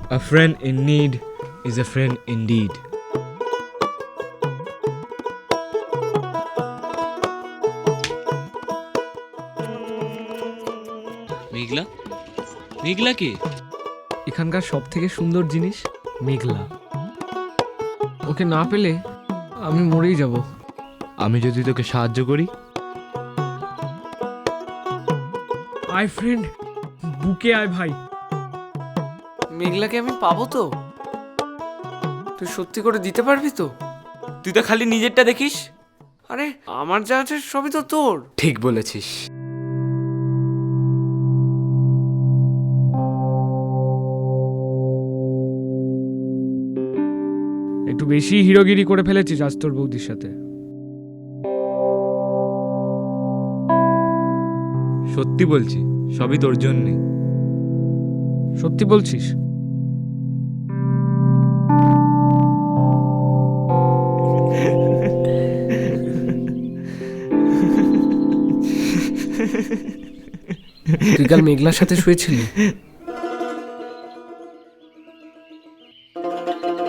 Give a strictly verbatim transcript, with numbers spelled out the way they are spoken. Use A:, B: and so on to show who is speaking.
A: A friend in need is a friend indeed.
B: মেঘলা মেঘলা কে?
C: এখানকার সব থেকে সুন্দর জিনিস মেঘলা। ওকে না পেলে আমি মরেই যাব।
A: আমি যদি তোকে সাহায্য করি?
C: আয় ফ্রেন্ড, বুকে আয় ভাই।
D: মেঘলাকে আমি পাবো তো? তুই সত্যি করে দিতে পারবি তো?
B: তুই তো খালি নিজেরটা দেখিস।
D: আরে আমার যা আছে সবই তো তোর।
B: ঠিক বলেছিস।
C: একটু বেশি হিরোগিরি করে ফেলেছিস আজ তোর বৌদির সাথে।
A: সত্যি বলছি, সবই তোর জন্যে।
C: সত্যি বলছিস? তুই কাল মেঘলার সাথে শুয়েছিলি?